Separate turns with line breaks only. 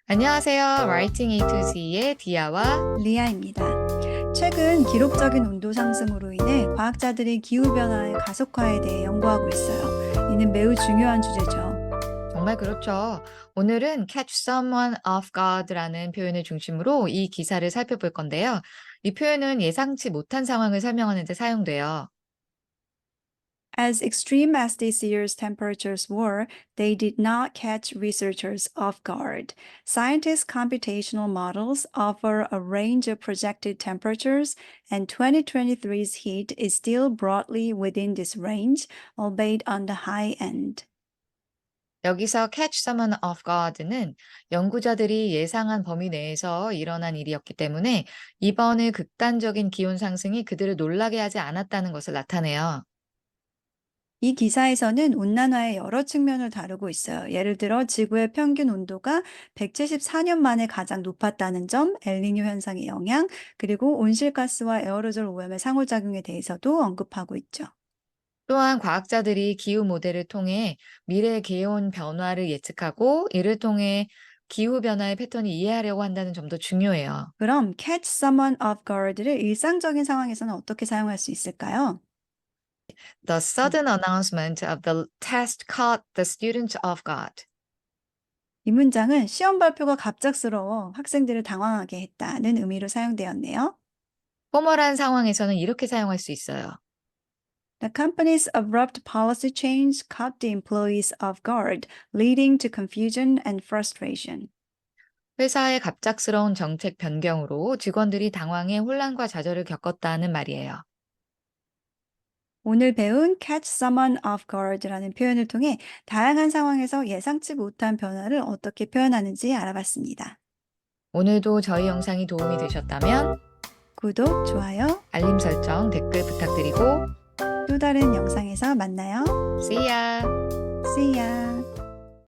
안녕하세요. Writing A to Z의 디아와
리아입니다. 최근 기록적인 온도 상승으로 인해 과학자들이 기후변화의 가속화에 대해 연구하고 있어요. 이는 매우 중요한 주제죠.
정말 그렇죠. 오늘은 catch someone off guard라는 표현을 중심으로 이 기사를 살펴볼 건데요. 이 표현은 예상치 못한 상황을 설명하는 데 사용돼요.
As extreme as this year's temperatures were, they did not catch researchers off guard. Scientists' computational models offer a range of projected temperatures, and 2023's heat is still broadly within this range, albeit on the high end.
여기서 catch someone off guard는 연구자들이 예상한 범위 내에서 일어난 일이었기 때문에 이번의 극단적인 기온 상승이 그들을 놀라게 하지 않았다는 것을 나타내요.
이 기사에서는 온난화의 여러 측면을 다루고 있어요. 예를 들어 지구의 평균 온도가 174년 만에 가장 높았다는 점, 엘니뇨 현상의 영향, 그리고 온실가스와 에어로졸 오염의 상호작용에 대해서도 언급하고 있죠.
또한 과학자들이 기후 모델을 통해 미래 기온 변화를 예측하고 이를 통해 기후 변화의 패턴을 이해하려고 한다는 점도 중요해요.
그럼 catch someone off guard를 일상적인 상황에서는 어떻게 사용할 수 있을까요?
The sudden announcement of the test caught the students off guard.
이 문장은 시험 발표가 갑작스러워 학생들을 당황하게 했다는 의미로 사용되었네요.
포멀한 상황에서는 이렇게 사용할 수 있어요.
The company's abrupt policy change caught the employees off guard, leading to confusion and frustration.
회사의 갑작스러운 정책 변경으로 직원들이 당황해 혼란과 좌절을 겪었다는 말이에요.
오늘 배운 catch someone off guard라는 표현을 통해 다양한 상황에서 예상치 못한 변화를 어떻게 표현하는지 알아봤습니다.
오늘도 저희 영상이 도움이 되셨다면
구독, 좋아요,
알림 설정, 댓글 부탁드리고
또 다른 영상에서 만나요.
See ya!
See ya!